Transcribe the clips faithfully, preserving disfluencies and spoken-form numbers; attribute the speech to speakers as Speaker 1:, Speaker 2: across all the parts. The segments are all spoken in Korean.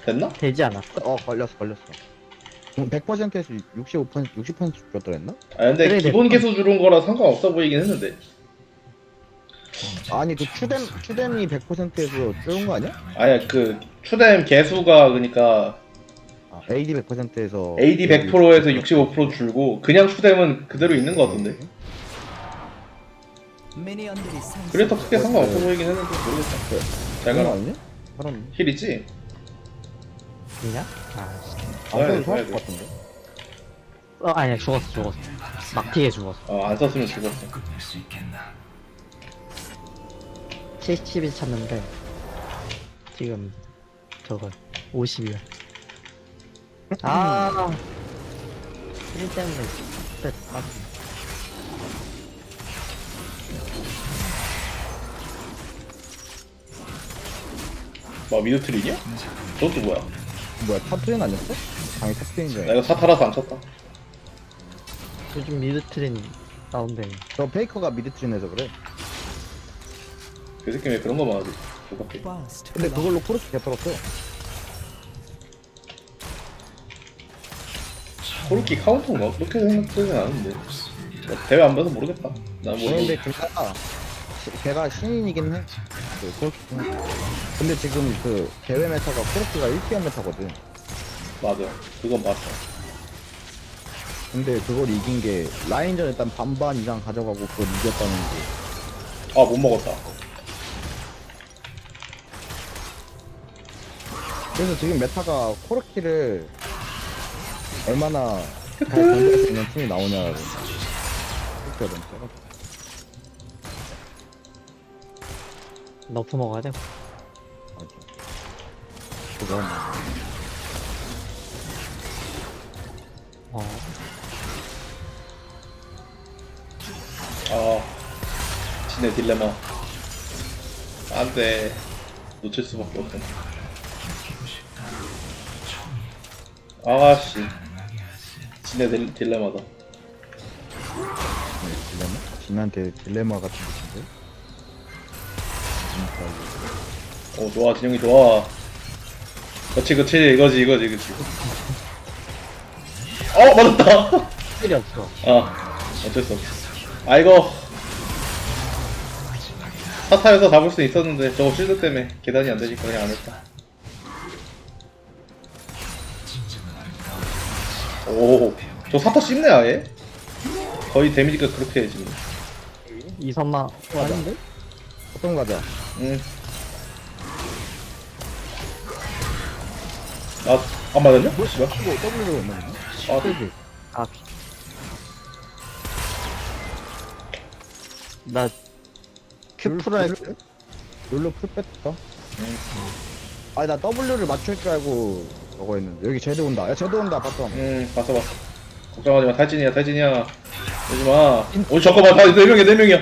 Speaker 1: 됐나?
Speaker 2: 되지 않았어?
Speaker 3: 어 걸렸어 걸렸어. 음, 백 퍼센트에서 육십오 퍼센트 육십 퍼센트 줬더랬나?
Speaker 1: 아 근데
Speaker 2: 그래,
Speaker 1: 기본
Speaker 2: 됐어.
Speaker 1: 개수 주는 거라 상관없어 보이긴 했는데.
Speaker 3: 아니 그 추뎀 추뎀이 백 퍼센트에서 줄은 거 아니야?
Speaker 1: 아니야 그 추뎀 개수가 그니까
Speaker 3: 아, 에이디 백 퍼센트에서
Speaker 1: 에이디 백 퍼센트에서 육십오 퍼센트 줄고 그냥 추뎀은 그대로 있는 거 같던데. 그래도 크게 상관없어 보이긴 했는데 모르겠다. 잘
Speaker 3: 그런 거
Speaker 1: 가라.
Speaker 3: 아니냐? 사람
Speaker 1: 힐 있지?
Speaker 2: 그냥? 아, 씨.
Speaker 1: 써야 돼,
Speaker 3: 안 써도
Speaker 1: 써야
Speaker 3: 살것
Speaker 1: 돼.
Speaker 3: 같은데.
Speaker 2: 어, 아니야, 죽었어, 죽었어. 막티에 죽었어.
Speaker 1: 어, 안 썼으면 죽었어.
Speaker 2: 칠십일 찼는데, 지금, 저거, 오십이야. 아, 일 때문에, 스트레스 받
Speaker 1: 뭐 미드트리냐? 저것도 뭐야?
Speaker 3: 뭐야 탑트레인 아니었어? 당연히 탑트레인 줄
Speaker 1: 나
Speaker 3: 알았어.
Speaker 1: 이거 사타라서 안 쳤다.
Speaker 2: 요즘 미드 트렌 나온대.
Speaker 3: 저 페이커가 미드트레인에서 그래.
Speaker 1: 그 새끼 왜 그런 거만 하지? 조각해.
Speaker 3: 근데 그걸로 코르스 개털었어.
Speaker 1: 코르키 카운터인가? 그렇게 생각되진 않은데. 뭐 대회 안 봐서 모르겠다. 난 뭐.
Speaker 3: 근데 걔가 걔가 신인이긴 해. 그 코르키. 근데 지금 그 대회 메타가 코르키가 일 티어 메타거든.
Speaker 1: 맞아. 그건 맞아.
Speaker 3: 근데 그걸 이긴 게 라인전 일단 반반 이상 가져가고 그걸 이겼다는 게.
Speaker 1: 아, 못 먹었다.
Speaker 3: 그래서 지금 메타가 코르키를 얼마나 잘 견딜 수 있는 팀이 나오냐고. 코르키가 너무 세가지고.
Speaker 2: 너프 먹어야 돼.
Speaker 3: 맞아. 그건
Speaker 2: 어,
Speaker 1: 아, 진의 딜레마. 안 돼. 놓칠 수밖에 없어. 아씨. 진의 딜, 딜레마다.
Speaker 3: 딜레마? 진한테 딜레마 같은 것인데?
Speaker 1: 어, 좋아. 진영이 좋아. 그치, 그치. 이거지, 이거지, 그치. 어, 맞았다!
Speaker 2: 필이 없어.
Speaker 1: 아, 어쩔 수 없어. 아, 이거. 사타에서 잡을 수 있었는데, 저거 실드 때문에 계단이 안 되니까 그냥 안 했다. 오, 저 사타 씹네, 아예? 거의 데미지가 그렇게 해, 지금.
Speaker 2: 이선마
Speaker 3: 아닌데? 어떤 거 가자.
Speaker 1: 응. 나, 안 맞았냐?
Speaker 3: 뭐,
Speaker 1: 씨발.
Speaker 3: 이거 W로 있는
Speaker 1: 아,
Speaker 3: 거?
Speaker 2: 아, 나 큐프를
Speaker 3: 룰로 풀 뺐다?
Speaker 1: 응.
Speaker 3: 아니 나 W를 맞출 줄 알고 저거 했는데 여기 제드 온다. 야 제드 온다 바텀.
Speaker 1: 응, 봤어, 봤어. 걱정하지 마. 탈진이야, 탈진이야. 오지 마. 오, 잠깐만. 다 네 명이야, 네 명이야.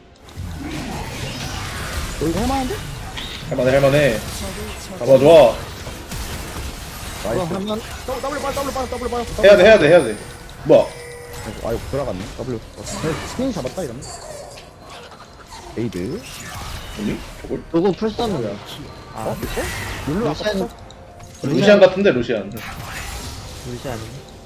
Speaker 3: 여기 할만한데?
Speaker 1: 할만해, 할만해. 잡아줘.
Speaker 3: 나이스.
Speaker 2: 하면
Speaker 3: W W 빨리 W 빨리 W 빨리.
Speaker 1: 해야 돼, 해야 돼, 해야 돼. 뭐야?
Speaker 3: 아이고 돌아갔네. W. 스킨 잡았다 이러면. 에이드.
Speaker 1: 아니? 저걸?
Speaker 2: 누구 풀썼는데?
Speaker 3: 어?
Speaker 2: 아,
Speaker 3: 이거? 룰루 아까
Speaker 2: 루시안,
Speaker 3: 썼-
Speaker 1: 루시안 같은데, 루시안.
Speaker 2: 루시안.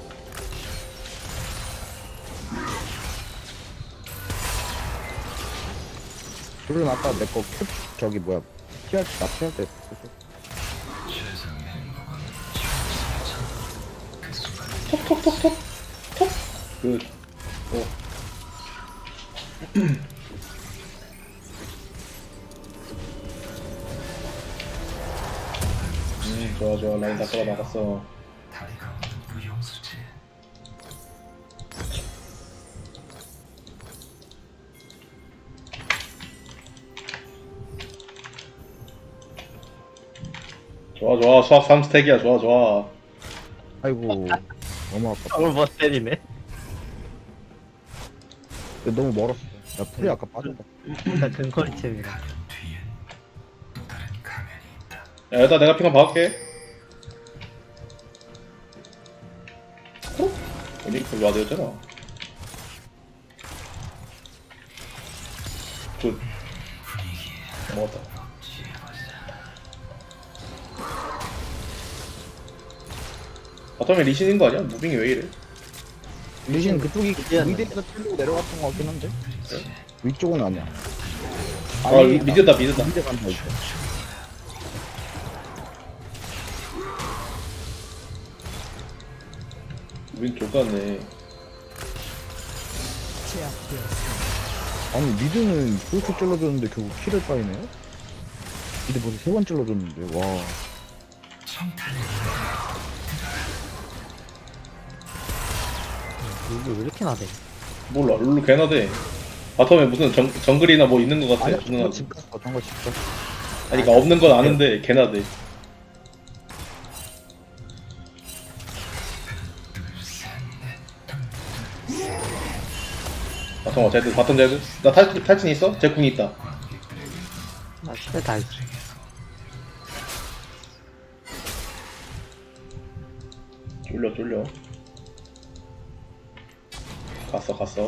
Speaker 3: 룰루 아까 내거 큐 저기 뭐야 피할 나 피할 때 썼어.
Speaker 1: 톡톡톡톡. 톡. 그, 어. 음, 좋아, 좋아. 라인 다 끌어 나갔어. 좋아, 좋아. 수학 삼 스택이야. 좋아, 좋아.
Speaker 3: 아이고 너무 아깝다.
Speaker 2: 저걸 못 때리네.
Speaker 3: 근데 너무 멀었어. 야 풀이 아까 빠졌다.
Speaker 2: 일단 근거리챔이라.
Speaker 1: 야, 일단 내가 핑한 박을게. 어? 아니, 그거 와드였잖아. 굿. 먹었다. 바텀에 리신인 거 아니야? 무빙이 왜 이래?
Speaker 3: 리신 그쪽이
Speaker 2: 미드였는데.
Speaker 3: 미드에서 틀고 내려갔던 거 같긴 한데 위쪽은 아니야.
Speaker 1: 아
Speaker 3: 아니,
Speaker 1: 미드다 미드다.
Speaker 3: 미드 간다 이거.
Speaker 1: 무빙 족같네.
Speaker 3: 아니 미드는 그렇게 찔러줬는데 결국 킬을 빠이네요? 미드 벌써 세 번 찔러줬는데 와.
Speaker 2: 이게 왜 이렇게 나대?
Speaker 1: 몰라 룰루 개나 돼. 바텀에 무슨 정, 정글이나 뭐 있는 거 같아.
Speaker 3: 아니야
Speaker 1: 누나.
Speaker 3: 정거 집 갔어 정거 집 갔어.
Speaker 1: 아니 그니까 없는 건 아는데 개나 돼. 바텀 제드 바텀 제드. 나 탈, 탈진 있어? 제 궁이 있다.
Speaker 2: 나 시대 다 있어.
Speaker 1: 쫄려 쫄려. 갔어 갔어.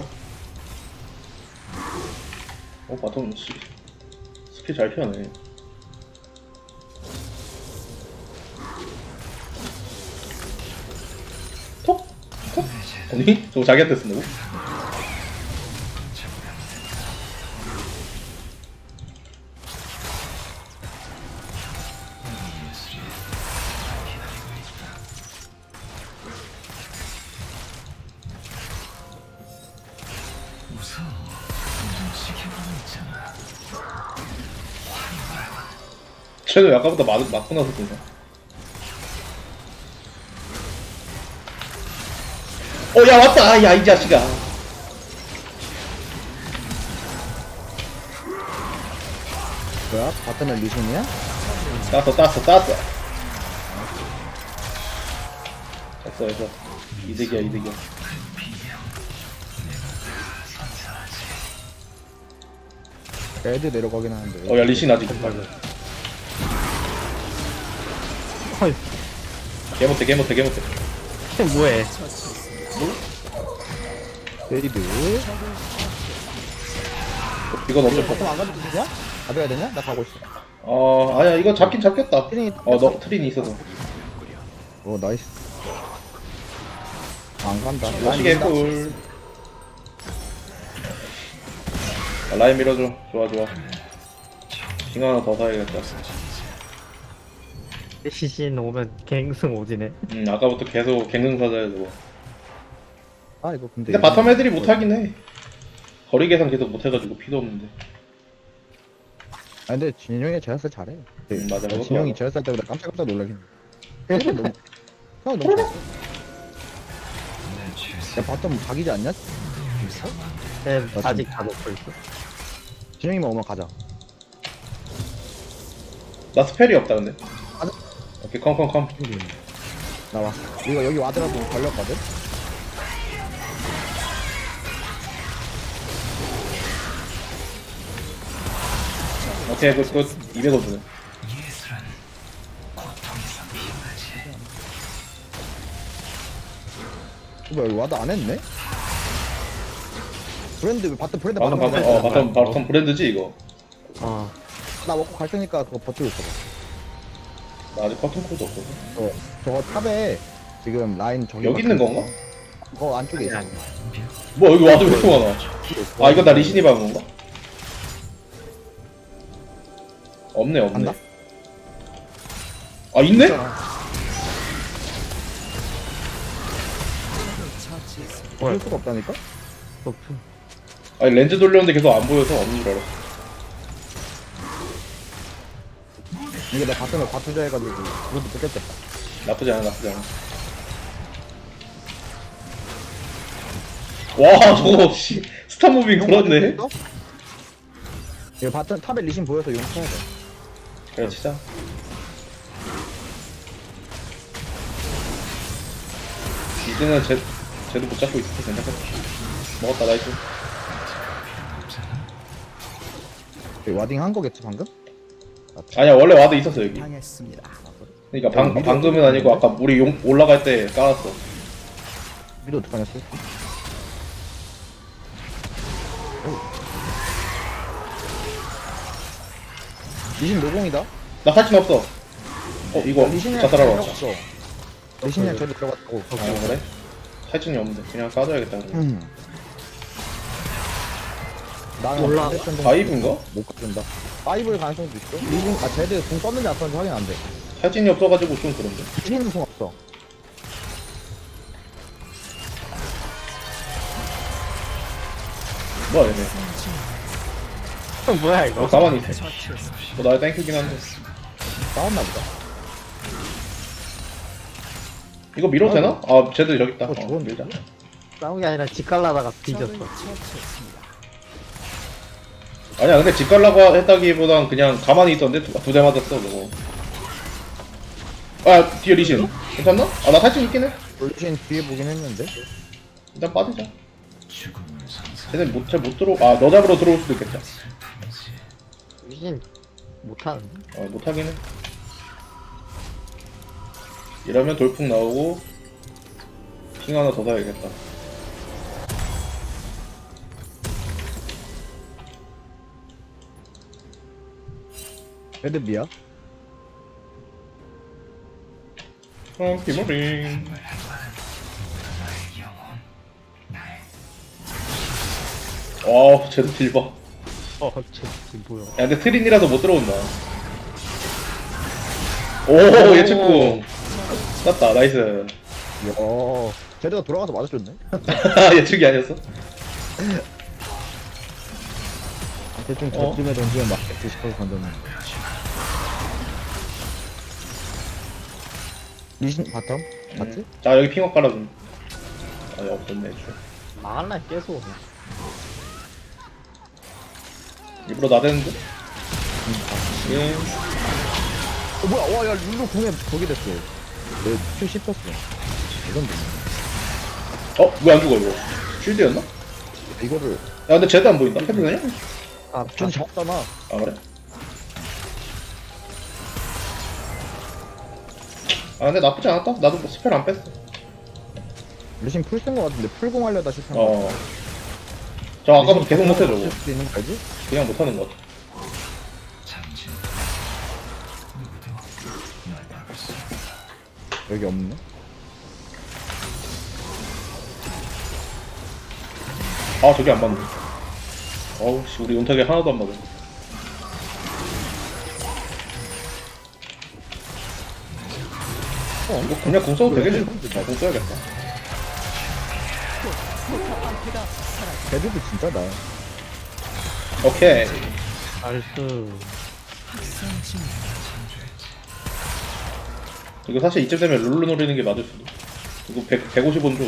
Speaker 1: 어 바텀 씨 스킬 잘 피하네. 톡? 톡? 아니? 저거 자기한테 쓴다고? 쟤도 아까보다 맞, 맞고 나서 그런가? 어, 야, 왔다! 야, 이 자식아.
Speaker 3: 뭐야? 바텀에 리신이야?
Speaker 1: 땄어, 땄어, 땄어. 됐어, 됐어. 이득이야, 이득이야.
Speaker 3: 애들 내려가긴 하는데
Speaker 1: 어, 야, 리신 아직.
Speaker 2: 헐,
Speaker 1: 개 못해, 개 못해, 개 못해.
Speaker 2: 쟤 뭐해?
Speaker 3: 레이드
Speaker 1: 이건 어쩔 수 없어.
Speaker 3: 바텀 안 가도 되냐? 가져야 되냐? 나 가고 있어.
Speaker 1: 어, 아니야, 이거 잡긴 잡겠다.
Speaker 3: 트린이
Speaker 1: 어, 너 트린이 있어서.
Speaker 3: 오 나이스. 안 간다.
Speaker 1: 멋지게 꿀. 아, 라인 밀어줘. 좋아, 좋아. 징 하나 더 사야겠다.
Speaker 2: 시신 오면 갱승 오지네.
Speaker 1: 음, 아까부터 계속 갱능 사자야, 저거.
Speaker 3: 아 이거 근데.
Speaker 1: 근데 바텀 애들이 못하긴 해. 거리 계산 계속 못해가지고 피도 없는데.
Speaker 3: 아 근데 진영이 제라스 잘해.
Speaker 1: 음, 맞아, 그것도
Speaker 3: 진영이
Speaker 1: 알아.
Speaker 3: 제라스 할 때보다 깜짝깜짝 놀라긴 해. 형 너무 형 너무 잘해. 야 바텀 각이지 않냐?
Speaker 2: 쟤 아직 다 놓고 있어.
Speaker 3: 진영이만 오면 가자.
Speaker 1: 나 스펠이 없다, 근데.
Speaker 3: 가자.
Speaker 1: 오케이, 컴컴컴.
Speaker 3: 나와. 이거 여기 와드라도 걸렸거든.
Speaker 1: 오케이, 굿, 굿. 이백 원 주네.
Speaker 3: 뭐야 여기 와드 안 했네? 브랜드 왜 바텀 브랜드
Speaker 1: 방금,
Speaker 3: 바텀
Speaker 1: 방금, 어, 바텀, 바텀 브랜드지, 이거.
Speaker 2: 어,
Speaker 3: 나 먹고 갈 테니까 그거 버티고 있어봐.
Speaker 1: 나 아직 커튼 코드 없거든.
Speaker 3: 어, 저거 탑에 지금 라인 저기
Speaker 1: 여기 있는 건가?
Speaker 3: 어 안쪽에 있어.
Speaker 2: 아니.
Speaker 1: 뭐, 여기 와도 왜 이렇게 많아? 아, 이거 나 리신이 박은 건가? 없네, 없네.
Speaker 3: 간다?
Speaker 1: 아, 있네?
Speaker 3: 볼 수가 없다니까?
Speaker 2: 높은.
Speaker 1: 아니, 렌즈 돌렸는데 계속 안 보여서 없는 줄 알았어.
Speaker 3: 이게 내 바텀을 바투자 해가지고 그것도 뺏겼겠다.
Speaker 1: 나쁘지 않아, 나쁘지 않아. 와, 저거, 씨. 스타 무빙 그렇네.
Speaker 3: 이거 바텀 탑에 리신 보여서 용 쳐야 돼.
Speaker 1: 그래, 치자. 이제는 쟤, 쟤도 못 잡고 있어. 괜찮겠다. 먹었다, 나이스.
Speaker 3: 여기 와딩 한 거겠지 방금?
Speaker 1: 아니야, 원래 와도 있었어, 여기.
Speaker 4: 당했습니다.
Speaker 1: 그니까 방,
Speaker 3: 미드
Speaker 1: 방금은 아니고 아까 우리 용 올라갈 때 깔았어.
Speaker 3: 미드 어떡하냐 씨. 리신 노공이다.
Speaker 1: 나 탈진 없어. 어, 이거
Speaker 3: 리신이랑
Speaker 1: 자살하러
Speaker 3: 필요
Speaker 1: 왔다.
Speaker 3: 없어. 리신이랑 쟤도 들어갔다고.
Speaker 1: 아 그래? 탈진이 없는데 그냥 까줘야겠다 그러면.
Speaker 3: 음. 나는
Speaker 2: 몰라.
Speaker 3: 반대편 정도
Speaker 1: 바이브인가?
Speaker 3: 못 가준다. 파이브일 가능성도 있어. 리신, 아, 쟤들 공 썼는지 안 썼는지 확인 안 돼.
Speaker 1: 탈진이 없어가지고 좀 그런데.
Speaker 3: 리신은 공 없어.
Speaker 1: 뭐야 얘네.
Speaker 2: 뭐야
Speaker 1: 어
Speaker 2: 이거?
Speaker 1: 가만히 있어. 뭐 나를 땡큐긴 한데.
Speaker 3: 싸웠나 보다.
Speaker 1: 이거 밀어도 되나? 아 쟤들 여기 있다.
Speaker 3: 어,
Speaker 1: 어,
Speaker 3: 죽었네.
Speaker 1: 밀자.
Speaker 2: 싸운 게 아니라 집 갈라다가 뒤졌어.
Speaker 1: 아니야 근데 집 갈라고 했다기보단 그냥 가만히 있었는데 두 대 맞았어 저거. 아 뒤에 리신 괜찮나? 아 나 탈진 있긴 해.
Speaker 3: 리신 뒤에 보긴 했는데.
Speaker 1: 일단 빠지자. 쟤네 못, 잘못 들어. 아 너 잡으러 들어올 수도 있겠다.
Speaker 2: 유진 못하는데?
Speaker 1: 어 못하긴 해. 이러면 돌풍 나오고 핑 하나 더 사야겠다.
Speaker 3: 레드비야?
Speaker 1: 어 기모링. 와 쟤도 딜 봐.
Speaker 2: 어, 쟤 뭐야?
Speaker 1: 야 근데 트린이라서 못 들어온다. 오 예측궁 땄다 나이스.
Speaker 3: 이야. 쟤들가 돌아가서 맞아줬네.
Speaker 1: 예측이 아니었어?
Speaker 3: 대충
Speaker 1: 어?
Speaker 3: 저쯤에 던지면 맞겠지 싶어서 던졌는데. 리신 바텀? 맞지?
Speaker 1: 음. 자 여기 핑업 깔아준. 아 없었네 애초에.
Speaker 2: 망할라 계속.
Speaker 1: 일부러 나대는데? 예.
Speaker 3: 어 뭐야 와야 룰루 공에 거기 됐어. 내큐 씹혔어. 이건 뭐
Speaker 1: 어? 왜 안 죽어 이거? 쉴드였나? 야
Speaker 3: 이거를
Speaker 1: 근데 쟤도 안 보인다. 헤드 되냐?
Speaker 2: 아,
Speaker 3: 전 잡잖아.
Speaker 1: 아 그래? 아 근데 나쁘지 않았다. 나도 뭐 스펠 안 뺐어.
Speaker 3: 리신 풀쓴 거 같은데 풀공 하려다 실패한 거
Speaker 1: 어. 저 아까부터 계속 못해 저거.
Speaker 3: 쓸수 있는 거 알지?
Speaker 1: 그냥 못하는 것 같아.
Speaker 3: 여기 없네.
Speaker 1: 아 저기 안 맞네. 어우 씨 우리 은탁이 하나도 안 맞아. 어 이거 그냥 공 써도 되겠지? 아공 써야겠다.
Speaker 3: 걔들도 진짜 나.
Speaker 1: 오케이.
Speaker 2: 나이스.
Speaker 1: 이거 사실 이쯤 되면 룰루 노리는 게 맞을 수도. 이거 백, 백오십 원 줘.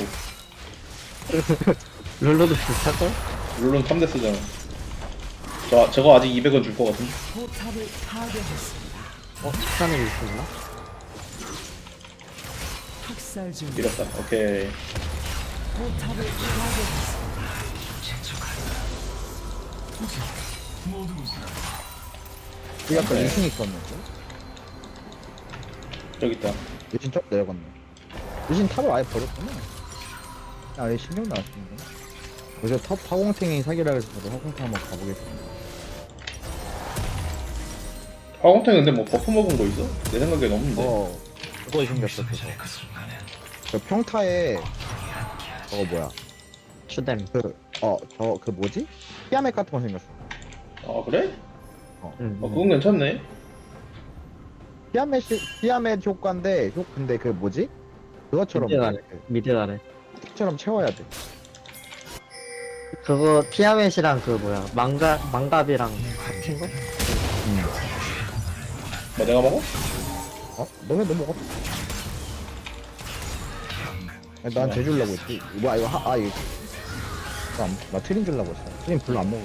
Speaker 2: 룰러도 비슷할걸?
Speaker 1: 룰루는 삼 대 쓰잖아. 저, 저거 아직 이백 원 줄 것 같은데?
Speaker 2: 어? 식사는 있었나?
Speaker 4: 학살 중
Speaker 1: 이렇다. 오케이.
Speaker 4: 포탑을 파괴했습니다.
Speaker 3: 여기 아까
Speaker 1: 네.
Speaker 3: 리신 있었는데.
Speaker 1: 저기 있다.
Speaker 3: 리신 top 내려갔네. 리신 탑을 아예 버렸구나. 아예 신경 나왔습니다. 그래서 탑 화공탱이 사기라 해서 저도 화공탱 한번 가보겠습니다.
Speaker 1: 화공탱 근데 뭐 버프 먹은 거 있어? 내 생각엔 없는데.
Speaker 3: 어, 그거 생겼어, 그거. 저 평타에, 저거 뭐야.
Speaker 2: 추뎀.
Speaker 3: 그, 어, 저, 그 뭐지? 피아멧 같은 거 생겼어.
Speaker 1: 아, 그래?
Speaker 2: 응.
Speaker 1: 아, 그건 괜찮네.
Speaker 3: 피아멧, 피아멧 효과인데, 효, 근데 그 뭐지? 그것처럼,
Speaker 2: 미드 아래. 미드 아래.
Speaker 3: 처럼 채워야 돼.
Speaker 2: 그거 피아멧이랑 그 뭐야 망가 망갑이랑 같은 거?
Speaker 3: 음.
Speaker 1: 뭐 내가 먹어?
Speaker 3: 어? 너네 너 먹었어? 아니, 난 쟤 주려고 했지. 뭐야, 이거 하, 아, 이거. 나, 안- 나 트림 주려고 했어. 트림 별로 안 먹어.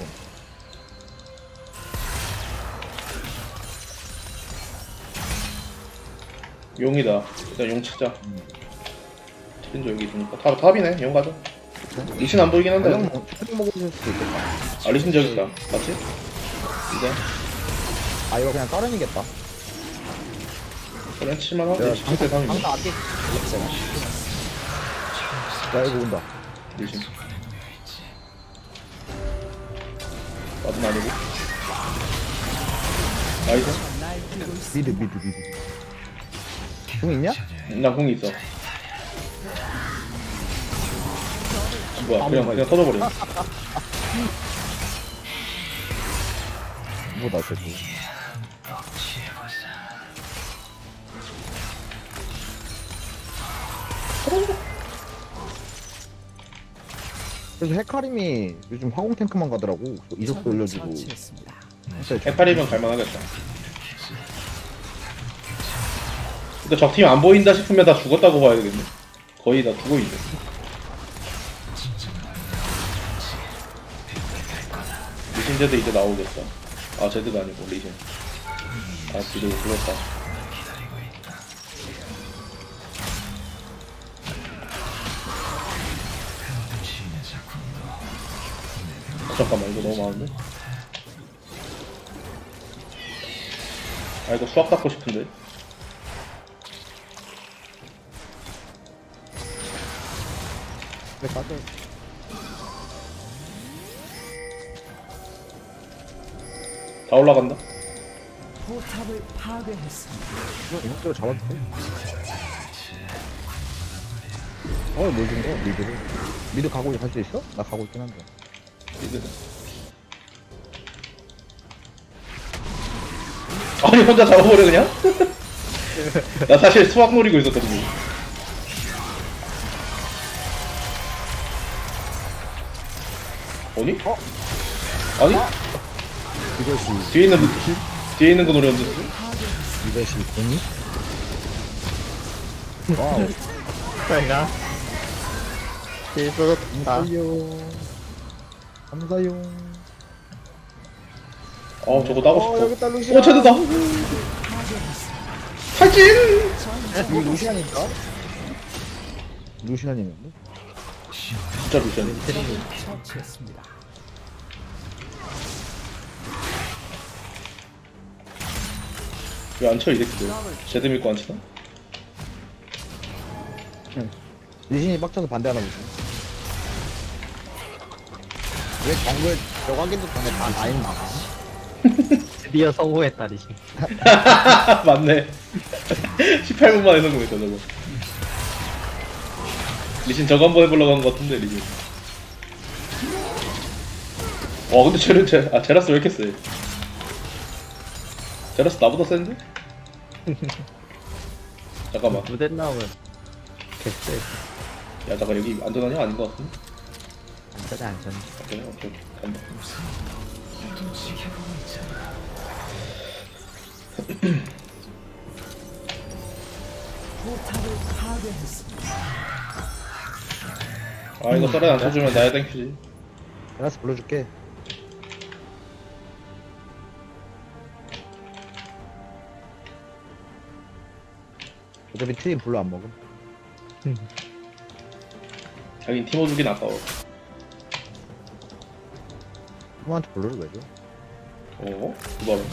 Speaker 1: 용이다. 일단 용 치자.
Speaker 3: 음.
Speaker 1: 트린저 여기 있으니까. 탑, 탑이네. 용 가자. 리신 안 보이긴 한데.
Speaker 3: 그냥 뭐, 트림 먹어줄 수도 있겠다.
Speaker 1: 아, 리신 저기 있다. 맞지? 이제.
Speaker 3: 아, 이거 그냥 따른이겠다.
Speaker 1: 그냥 칠만하지.
Speaker 3: 내가
Speaker 1: 십칠 대 삼이면.
Speaker 3: 방금 안 돼. 야, 이거 온다.
Speaker 1: 리신. 맞은 아니고. 나이스.
Speaker 3: 미드, 미드, 미드. 공 있냐?
Speaker 1: 나 공이 있어. 뭐야 그냥 그냥 터져버려.
Speaker 3: 뭐다 저거. 그래서 헤카림이 요즘 화공 탱크만 가더라고. 이속도
Speaker 4: 적을
Speaker 3: 올려주고.
Speaker 4: 처치했습니다.
Speaker 3: 진짜
Speaker 1: 해파리면 갈만하겠다. 근데 적팀 안 보인다 싶으면 다 죽었다고 봐야 되겠네. 거의 다 죽어 있네. 리신 제드 이제 나오겠다. 아 제드가 아니고 리신. 아 뒤로 불렀다. 아, 잠깐만 이거 너무 많은데? 아 이거 수학 닦고 싶은데?
Speaker 3: 그래 빠져.
Speaker 1: 다 올라간다?
Speaker 4: 포탑을 파괴했습니다.
Speaker 3: 이것대로 잡아도 돼. 어, 뭘 준 거야? 미드를. 미드 가고 갈 수 있어? 나 가고 있긴 한데.
Speaker 1: 미드. 아니 혼자 잡아버려 그냥? 나 사실 수학 노리고 있었거든요. 아니?
Speaker 3: 어?
Speaker 1: 아니?
Speaker 3: 이것이,
Speaker 1: 뒤에 있는 뒤에 있는 거 노렸는데.
Speaker 3: 이것이 돈이? 와우.
Speaker 2: 내가 실수다.
Speaker 3: 감사요. 감사요.
Speaker 1: 아 저거 따고
Speaker 3: 어, 여기
Speaker 1: 싶어.
Speaker 3: 있다, 루시안.
Speaker 1: 오 제드다. 탈진.
Speaker 3: 이거 루시안인가? 루시안이는데?
Speaker 1: 진짜 루시안.
Speaker 4: 처치했습니다.
Speaker 1: 왜 안 쳐 이 새끼들? 제드 믿고 안 치나?
Speaker 3: 리신이 빡쳐서 반대하나 보지. 왜 정글 저거 하기도 전에 다 라인 나가?
Speaker 2: 드디어 성공했다 리신.
Speaker 1: 맞네. 십팔 분 만에 성공했다 저거. 리신 저거 한번 해보려고 한 것 같은데 리신. 와 근데 쟤는 제, 아 제라스 왜 이렇게 세? 제라스 나보다 센데? 잠깐만.
Speaker 2: 무대 나오면 개쎄.
Speaker 1: 야 잠깐 여기 안전하냐? 아닌 것 같은데?
Speaker 2: 안전해 안전.
Speaker 1: 오케이 오케이 오케이 간다.
Speaker 4: 포탑을 파괴했습니다.
Speaker 1: 아 이거 썰에 안 쳐주면 나야 땡큐지.
Speaker 3: 제라스 불러줄게. 어차피 트림 불러 안 먹음.
Speaker 1: 자긴 팀워 주긴 아까워.
Speaker 3: 형한테 불러를 왜 줘?
Speaker 1: 어? 두바로.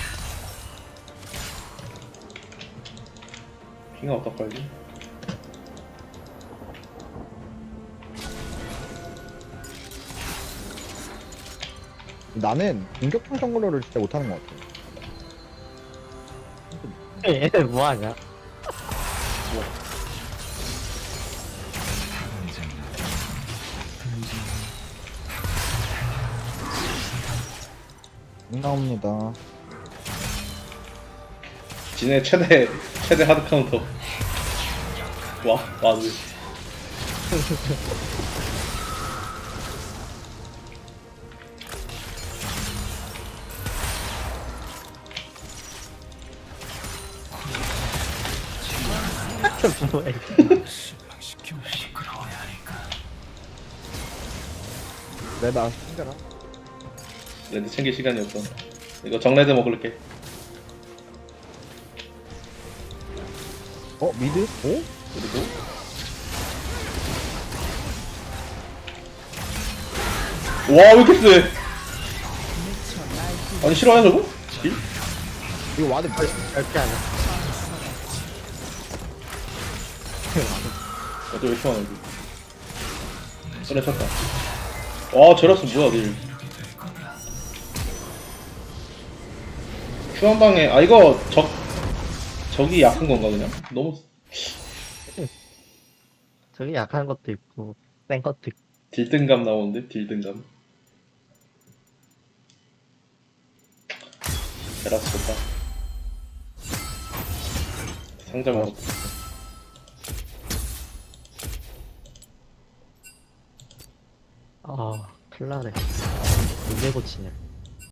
Speaker 1: 핑아 어떡하지?
Speaker 3: 나는 공격형 정글러를 진짜 못하는 것 같아.
Speaker 2: 얘네 뭐하냐?
Speaker 3: 나옵니다.
Speaker 1: 지네 최대 최대 하드 카운터. 와 와드.
Speaker 2: 뭐야?
Speaker 3: 내가 챙겨라.
Speaker 1: 레드 챙길 시간이 없어. 이거 정레드 먹을게.
Speaker 3: 어 미드? 오?
Speaker 1: 그리고 와 왜 이렇게 세? 아니 싫어하냐 저거? 딜?
Speaker 3: 이거 와드 별.
Speaker 2: 절대 안 해.
Speaker 1: 어째 왜 이렇게 많아 여기? 그래 쳤다. 와 제라스 뭐야 딜? 큐 한 방에 아 이거 적 적이 약한 건가 그냥? 너무
Speaker 2: 저기 약한 것도 있고 센 것도 있고.
Speaker 1: 딜등감 나오는데 딜등감. 베라스 좋다. 상자 먹었다.
Speaker 2: 아, 큰일나네. 언제 고치냐.